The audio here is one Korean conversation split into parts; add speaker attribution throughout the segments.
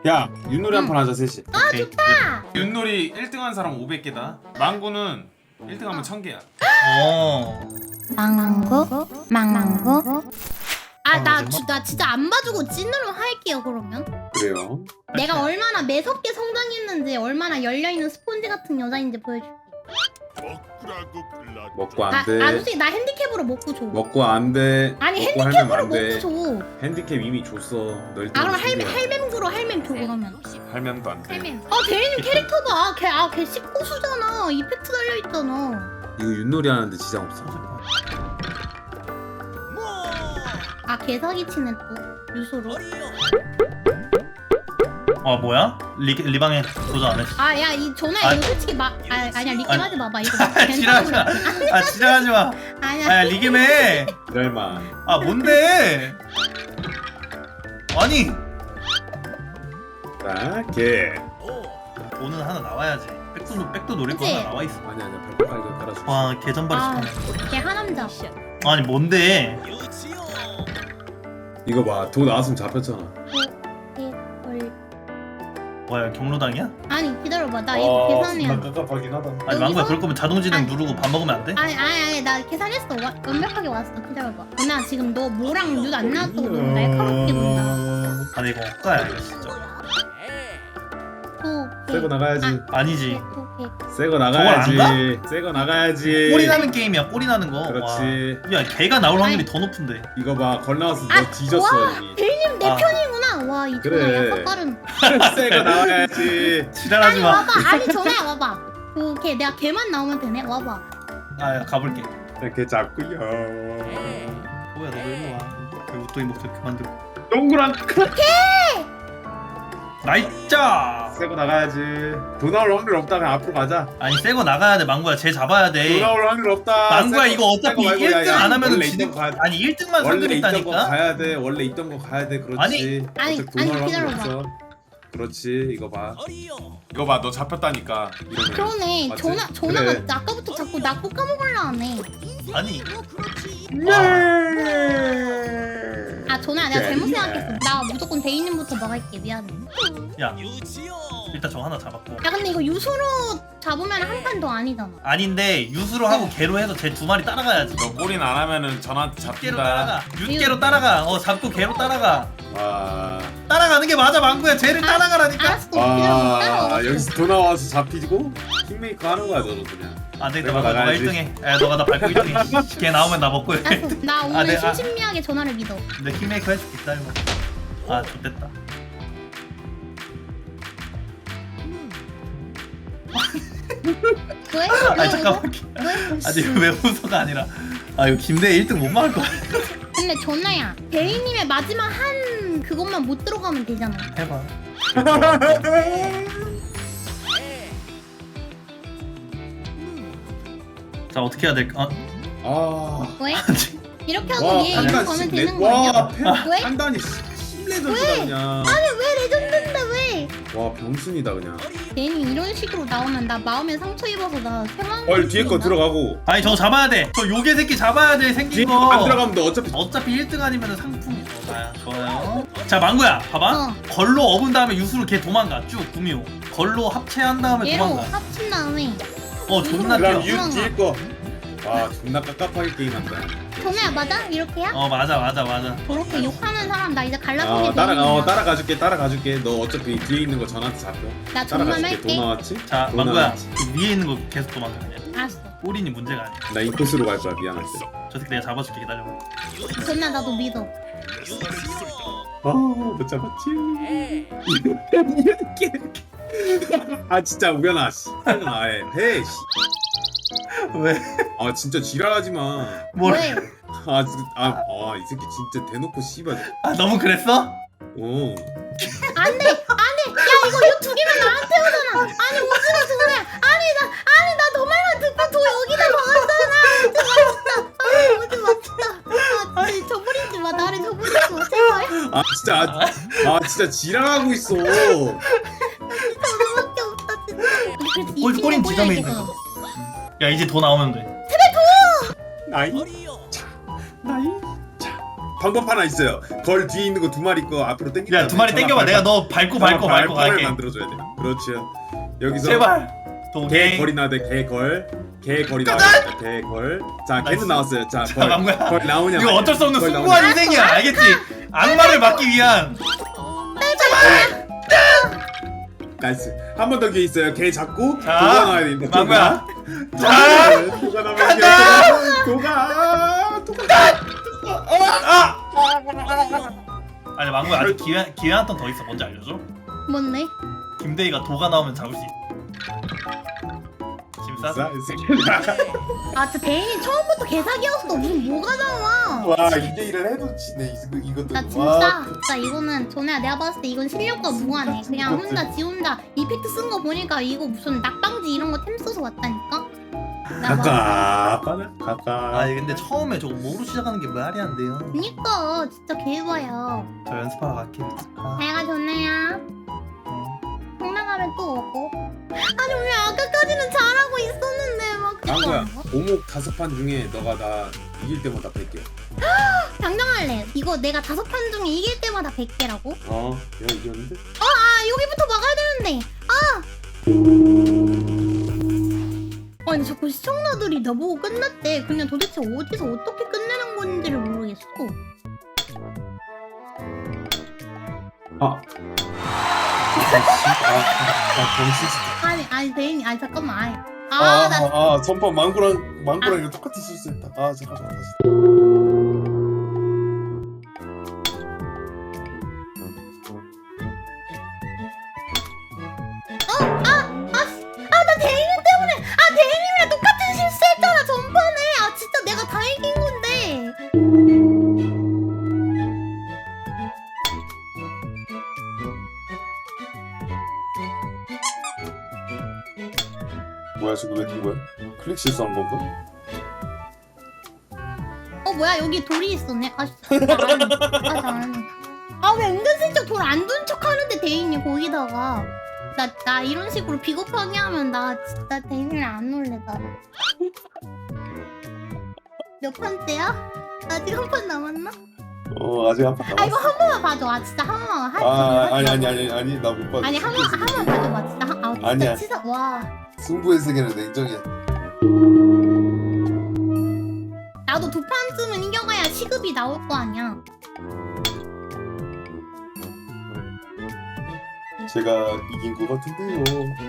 Speaker 1: 야 윷놀이 한 판 하자 셋이.
Speaker 2: 아 좋다.
Speaker 1: 윷놀이 1등한 사람 500개다. 망구는 1등하면 1000개야.
Speaker 2: 망고 망고. 나
Speaker 3: 정말?
Speaker 2: 진짜 안 봐주고 찐으로 할게요 그러면.
Speaker 1: 그래요.
Speaker 2: 내가 얼마나 매섭게 성장했는지 얼마나 열려있는 스폰지 같은 여자인지 보여줄게.
Speaker 1: 먹고
Speaker 2: 아
Speaker 1: 안돼.
Speaker 2: 솔직히 나 핸디캡으로 먹고 줘.
Speaker 1: 먹고 안돼.
Speaker 2: 아니
Speaker 1: 먹고
Speaker 2: 핸디캡으로
Speaker 1: 할면 안 돼.
Speaker 2: 먹고 줘.
Speaker 1: 핸디캡 이미 줬어. 널
Speaker 2: 아 그럼 할멈으로 할멈 줘 그러면.
Speaker 1: 할면도 안 돼.
Speaker 2: 할멈. 대리님 캐릭터 봐. 걔 씹고수잖아. 이펙트 달려있잖아.
Speaker 1: 이거 윷놀이 하는데 지장 없어.
Speaker 2: 걔 사기치네 또 유소로.
Speaker 3: 뭐야? 리방에 도전 안 했어.
Speaker 2: 야 이 전화 이거 솔직히 아니야 리겜 하지 마봐 이거.
Speaker 3: 지랄하지 마. 지랄하지 마.
Speaker 2: 아니야.
Speaker 3: 리겜해.
Speaker 1: 이럴만.
Speaker 3: 뭔데? 아니.
Speaker 1: 나게.
Speaker 3: 돈은 하나 나와야지. 백도 노릴 거
Speaker 2: 그치?
Speaker 3: 하나 나와 있어.
Speaker 1: 아니야 발가락 이거 깔아줘.
Speaker 3: 와 개전발이 시키네.
Speaker 2: 걔 하남자.
Speaker 3: 아니 뭔데?
Speaker 1: 이거 봐. 도 나왔으면 잡혔잖아.
Speaker 3: 뭐야 경로당이야?
Speaker 2: 아니 기다려봐 나 이거 계산해야 돼.
Speaker 1: 깝깝하긴 하다.
Speaker 3: 아니 망고야 그럴 거면 자동진행
Speaker 2: 아니.
Speaker 3: 누르고 밥 먹으면 안 돼?
Speaker 2: 아니 나 계산했어. 완벽하게 왔어. 기다려봐. 나 지금 너 뭐랑 뉴안 나왔다고 너무 날카롭게 본다.
Speaker 3: 아니 이거 헛가야 이거 진짜.
Speaker 1: 새거 나가야지.
Speaker 3: 아니지.
Speaker 1: 새거
Speaker 3: 저걸
Speaker 1: 나가야지. 새거 나가야지.
Speaker 3: 꼴이 나는 게임이야 꼴이 나는 거.
Speaker 1: 그렇지.
Speaker 3: 와. 야 걔가 나올 확률이 더 높은데.
Speaker 1: 이거 봐. 걸 나왔으면 너 뒤졌어
Speaker 2: 와
Speaker 1: 이미.
Speaker 2: 대리님 내
Speaker 3: 아.
Speaker 2: 편이구나. 와 이거
Speaker 1: 그래.
Speaker 2: 약간 빠른.
Speaker 1: 새거 나와야지.
Speaker 3: 지랄하지
Speaker 2: 아니
Speaker 3: 마.
Speaker 2: 와봐. 아니 전화야 와봐. 걔 내가 걔만 나오면 되네. 와봐.
Speaker 3: 야 가볼게.
Speaker 1: 이렇게 잡고요.
Speaker 3: 뭐야 너 일로 와. 그 웃도이 목소리 그만 들고.
Speaker 1: 동그란
Speaker 3: 나이짜.
Speaker 1: 새거 나가야지. 돈 나올 확률 없다면 앞으로 가자.
Speaker 3: 아니 새거 나가야 돼 망고야 쟤 잡아야
Speaker 1: 돈
Speaker 3: 돼.
Speaker 1: 나올 확률 없다.
Speaker 3: 망고야
Speaker 1: 새거-
Speaker 3: 이거 어차피
Speaker 1: 새거 말고
Speaker 3: 1등
Speaker 1: 야,
Speaker 3: 안 하면은
Speaker 1: 원래
Speaker 3: 지는
Speaker 1: 있던 거 가야-
Speaker 3: 아니 1등만
Speaker 1: 원래 있던 거
Speaker 3: 선택했다니까.
Speaker 1: 가야 돼. 원래 있던 거 가야 돼. 그렇지.
Speaker 3: 아니,
Speaker 1: 어차피 돈 나올 확률
Speaker 2: 기다려봐.
Speaker 1: 없어. 그렇지. 이거 봐. 이거 봐. 너 잡혔다니까. 이러면.
Speaker 2: 그러네.
Speaker 1: 맞지?
Speaker 2: 전화가
Speaker 1: 그래.
Speaker 2: 아까부터 자꾸 나 볶아먹으려 하네.
Speaker 3: 아니
Speaker 2: 전화 내가 잘못 생각했어. 나 무조건 대인님부터 먹을게. 미안해.
Speaker 3: 야 일단 저 하나 잡았고.
Speaker 2: 야 근데 이거 유소로 잡으면 한 판 더 아니잖아.
Speaker 3: 아닌데 유수로 하고 개로 해서 쟤 두 마리 따라가야지.
Speaker 1: 너 꼴인 안 하면은 전화한테
Speaker 3: 개로
Speaker 1: 잡힌다.
Speaker 3: 따라가. 육개로 따라가. 잡고 개로 따라가.
Speaker 1: 와.
Speaker 3: 따라가는 게 맞아 망고야. 쟤를 따라가라니까.
Speaker 2: 알았어. 기다려.
Speaker 1: 와.
Speaker 2: 따라와.
Speaker 1: 여기서 돈 나와서 잡히고 킹메이커 하는 거야 너도 그냥.
Speaker 3: 안 되겠다
Speaker 1: 내가
Speaker 3: 망고 너가
Speaker 1: 나가야지.
Speaker 3: 1등해. 야 너가 나 밟고 1등해. 걔 나오면 나 먹고 해.
Speaker 2: 알았어. 나 오늘
Speaker 3: 네,
Speaker 2: 심신미하게 전화를 믿어.
Speaker 3: 내 킹메이커 해줄게 기다려봐. 좋됐다.
Speaker 2: 왜?
Speaker 3: 아니 잠깐만.
Speaker 2: 왜?
Speaker 3: 아니 이거 왜 웃어가 아니라 이거 김대 1등 못 막을 거야.
Speaker 2: 근데 전화야. 대리님의 마지막 한 그것만 못 들어가면 되잖아.
Speaker 3: 해봐. 자 어떻게 해야 될까?
Speaker 1: 아.
Speaker 2: 왜? 이렇게 하고
Speaker 1: 와,
Speaker 2: 얘
Speaker 1: 판단
Speaker 2: 이거 가면
Speaker 1: 심-
Speaker 2: 되는
Speaker 1: 와,
Speaker 2: 거 아니야? 왜?
Speaker 1: 판단이 심레전드다 그냥.
Speaker 2: 아니 왜 레전드인데 왜?
Speaker 1: 와, 병순이다 그냥.
Speaker 2: 괜히 이런 식으로 나오면 나 마음에 상처 입어서 나 생황.
Speaker 1: 헐, 뒤에 거 들어가고.
Speaker 3: 아니 저거 잡아야 돼. 저 요괴 새끼 잡아야 돼
Speaker 1: 뒤에
Speaker 3: 생긴
Speaker 1: 거
Speaker 3: 거.
Speaker 1: 안 들어가면 너 어차피
Speaker 3: 1등 아니면 상품이 나야. 좋아요. 자 망고야 봐봐.
Speaker 2: 어.
Speaker 3: 걸로 업은 다음에 유수로 걔 도망가 쭉 구미호. 걸로 합체한 다음에
Speaker 2: 얘로
Speaker 3: 도망가.
Speaker 2: 합친 다음에
Speaker 3: 존나
Speaker 1: 그럼
Speaker 3: 뛰어.
Speaker 1: 유 뒤에 거. 와, 존나 깝깝하게 게임한다.
Speaker 2: 전화야 맞아? 이렇게야?
Speaker 3: 맞아.
Speaker 2: 그렇게 욕하는 사람 나 이제 갈라보게 되는
Speaker 1: 따라가줄게. 너 어차피 뒤에 있는 거 전화한테 잡혀.
Speaker 2: 나 정말
Speaker 1: 따라가줄게.
Speaker 2: 할게.
Speaker 1: 돈 나왔지?
Speaker 3: 자
Speaker 1: 돈
Speaker 3: 망고야
Speaker 1: 나왔지?
Speaker 3: 그 위에 있는 거 계속 도망가 그냥.
Speaker 2: 알았어.
Speaker 3: 꼬린이 문제가 아니야.
Speaker 1: 나 인코스로 갈 거야. 미안할 때.
Speaker 3: 저 새끼 내가 잡아줄게 기다려봐.
Speaker 2: 전화 나도 믿어.
Speaker 1: 못 잡았지. 아 진짜 우연아. 씨. 해. 씨.
Speaker 3: 왜?
Speaker 1: 아 진짜 지랄하지 마.
Speaker 3: 뭘?
Speaker 2: 왜?
Speaker 1: 이 새끼 진짜 대놓고 씨발.
Speaker 3: 너무 그랬어?
Speaker 1: 어.
Speaker 2: 안돼. 야 이거 두 개면 나한테 오잖아. 아니 오지마 전화야. 아니 나 너 말만 듣고 도 여기다 박았잖아. 오지 마. 아니 저버리지 마. 나를 저버리지 마. 제발.
Speaker 1: 진짜 지랄하고 있어.
Speaker 2: 저거밖에 없다 진짜. 그래서 이
Speaker 3: 꼬린
Speaker 2: 친구
Speaker 3: 지점에
Speaker 2: 꼬려야지,
Speaker 3: 있는
Speaker 2: 그럼.
Speaker 3: 거. 야 이제 돈 나오면 돼.
Speaker 1: 나이. 방법 하나 있어요. 걸 뒤에 있는 거 2마리 거 앞으로 당기면
Speaker 3: 야 2마리 땡겨봐. 내가 너 밟고 갈게.
Speaker 1: 만들어줘야 돼. 그렇죠. 여기서
Speaker 3: 제발.
Speaker 1: 개
Speaker 3: 도개.
Speaker 1: 걸이 나와야 돼. 개 걸이 나와야 돼. 개 걸. 자 개는 나왔어요. 자 걸.
Speaker 3: 망고야.
Speaker 1: 걸 나오냐?
Speaker 3: 이거 어쩔 수 없는
Speaker 1: 걸
Speaker 3: 숭고한
Speaker 1: 나오냐?
Speaker 3: 인생이야. 알겠지? 악마를 막기 위한.
Speaker 1: 나이스. 한 번 더 기회 있어요. 개 잡고
Speaker 3: 자,
Speaker 1: 도가 나와야 된다.
Speaker 3: 망고야.
Speaker 1: 자, 도가 나오면 이겨. 도가.
Speaker 3: 아! 아니 망고야 아직 기회 한 턴 더 있어. 뭔지 알려줘?
Speaker 2: 뭔데?
Speaker 3: 김대희가 도가 나오면 잡을 수 있어. 지금 싸?
Speaker 2: 아 진짜 대인이 처음부터 개사기였어. 무슨 뭐가 나와?
Speaker 4: 와 2대1을 해도 지네 이것도.
Speaker 2: 나 진짜 이거는 전에 내가 봤을 때 이건 실력과 무관해. 그냥 지 혼자 이펙트 쓴 거 보니까 이거 무슨 낙방지 이런 거 템 써서 왔다니까. 나 막-
Speaker 1: 가까.
Speaker 3: 아니 근데 처음에 저거 뭐로 시작하는 게 말이 안 돼요.
Speaker 2: 그니까 진짜 개봐요.
Speaker 3: 저 연습하러 갈게. 아,
Speaker 2: 내가 전에야 성나가면 또 오고. 아니 왜 아까까지는 잘하고 있었는데 막
Speaker 1: 망고야. 오목 5판 중에 너가 나 이길 때마다 100개.
Speaker 2: 당장할래. 이거 내가 5판 중에 이길 때마다 100개라고?
Speaker 1: 내가 이겼는데?
Speaker 2: 아 여기부터 막아야 되는데. 아니 자꾸 시청자들이 나보고 끝났대. 그냥 도대체 어디서 어떻게 끝내는 건지를 모르겠어. 아니 대인이 아니 잠깐만 나
Speaker 4: 전판 망고랑 이거 똑같이 실수했다. 잠깐만 다시.
Speaker 2: 나 대인이 때문에 대인님이랑 똑같은 실수했잖아 전판에. 진짜 내가 다 이긴 건데.
Speaker 4: 뭐야 지금 왜 된 거야? 클릭 실수한 건가?
Speaker 2: 뭐야 여기 돌이 있었네. 잘하네. 왜 은근슬쩍 돌 안 둔 척 하는데 대인이 거기다가 나 이런 식으로 비겁하게 하면 나 진짜 대인이랑 안 놀래다. 몇 판째야? 아직 한 판 남았나?
Speaker 4: 아직 한 판 남았어.
Speaker 2: 이거 한 번만 봐줘. 진짜 한 번만 하지.
Speaker 4: 아니 나 못 봤어.
Speaker 2: 아니 한 번 봐줘봐. 진짜 진짜
Speaker 4: 아니야.
Speaker 2: 치사. 와.
Speaker 4: 승부의 세계는 냉정이야.
Speaker 2: 나도 2판쯤은 이겨가야 시급이 나올 거 아니야.
Speaker 4: 제가 이긴 거 같은데요.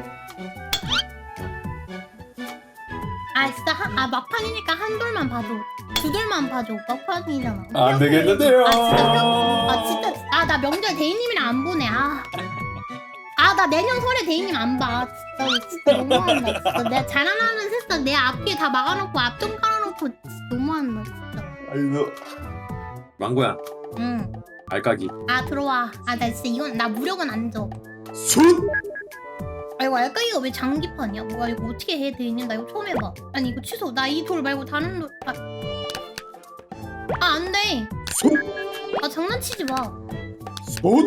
Speaker 2: 진짜 막판이니까 한 돌만 봐줘. 2돌만 봐줘. 막판이잖아.
Speaker 4: 안 되겠는데요.
Speaker 2: 진짜 나 명절 대인님이랑 안 보내. 나 내년 설에 대인님 안 봐. 진짜 너무한다. 진짜 내가 자라나는 새싹 내 앞뒤에 다 막아놓고 앞좀 깔아놓고 진짜 너무한다. 진짜.
Speaker 4: 아니 너
Speaker 1: 망고야.
Speaker 2: 응.
Speaker 1: 알까기.
Speaker 2: 들어와. 나 진짜 이건 나 무력은 안 줘.
Speaker 1: 손.
Speaker 2: 이거 알까기가 왜 장기판이야? 뭐야 이거 어떻게 해 대인님? 나 이거 처음 해봐. 아니 이거 취소. 나 이 돌 말고 다른 돌. 안 돼.
Speaker 1: 손.
Speaker 2: 장난치지 마.
Speaker 1: 손.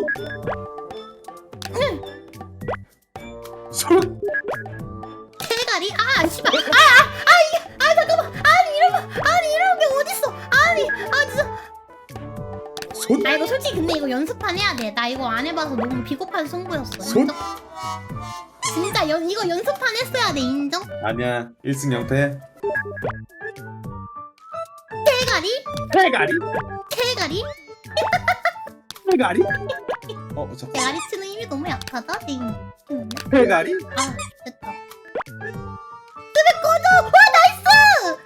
Speaker 1: 손.
Speaker 2: 대가리? 씨발. 잠깐만. 이런 게 어딨어? 진짜.
Speaker 1: 손.
Speaker 2: 이거 솔직히 근데 이거 연습판 해야 돼. 나 이거 안 해봐서 너무 비겁한 승부였어.
Speaker 1: 손?
Speaker 2: 진짜 이거 연습판 했어야 돼. 인정?
Speaker 1: 아니야. 1승 0패.
Speaker 2: 대가리?
Speaker 1: 대가리.
Speaker 2: 대가리?
Speaker 1: 대가리.
Speaker 4: 잠깐.
Speaker 2: 대가리 치는 힘이 너무 약하다.
Speaker 1: 대가리.
Speaker 2: 됐다. 집에 꺼져! 나이스!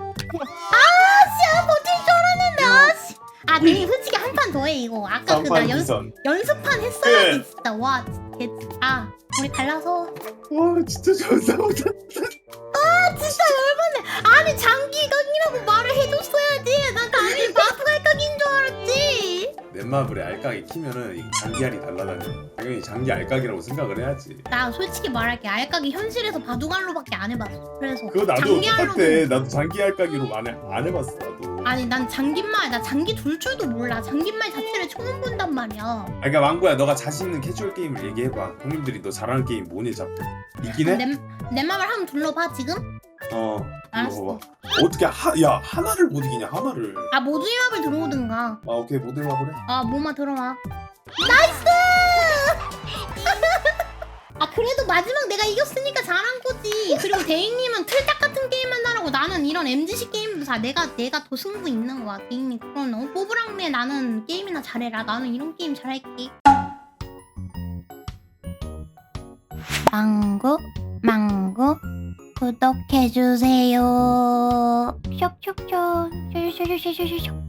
Speaker 2: 버틸 줄 알았는데. 대인 솔직히 한 판 더 해 이거. 아까 나 연습판 했어야지 진짜. 와 진짜. 우리 갈라서.
Speaker 4: 와 진짜 잘 싸우다.
Speaker 2: 진짜 열받네. 장기각이라고 말을 해줬어야지. 나 감히 바프갈각인 줄 알았지.
Speaker 1: 넷마블에 알까기 키면은 이 장기알이 달라다녀. 당연히 장기 알까기라고 생각을 해야지.
Speaker 2: 나 솔직히 말할게. 알까기 현실에서 바둑알로밖에 안 해봤어. 그래서
Speaker 4: 그거 나도
Speaker 2: 장기알로는
Speaker 4: 똑같아. 나도 장기 알까기로 안 해봤어 나도.
Speaker 2: 난 장기말 나 장기 둘 줄도 몰라. 장기말 자체를 처음 본단 말이야.
Speaker 1: 그러니까 망고야 너가 자신 있는 캐주얼 게임을 얘기해봐. 형님들이 너 잘하는 게임 뭐니 잡고 있긴 해?
Speaker 2: 내 맘을 한번 둘러봐 지금. 알았어.
Speaker 4: 이거 봐봐. 어떻게 야 하나를 못 이기냐 하나를.
Speaker 2: 아 모듈맵을 들어오든가.
Speaker 4: 아 오케이 모델 마블해.
Speaker 2: 아 뭐만 들어와. 나이스! 아 그래도 마지막 내가 이겼으니까 잘한 거지. 그리고 대인님은 틀딱 같은 게임만 하라고 나는 이런 MG식 게임도 다 내가 더 승부 있는 거야. 대인님 그런 뽀브랑매 나는 게임이나 잘해라. 나는 이런 게임 잘할게. 망고 구독해주세요. 쇽쇽쇽 쇽쇽쇽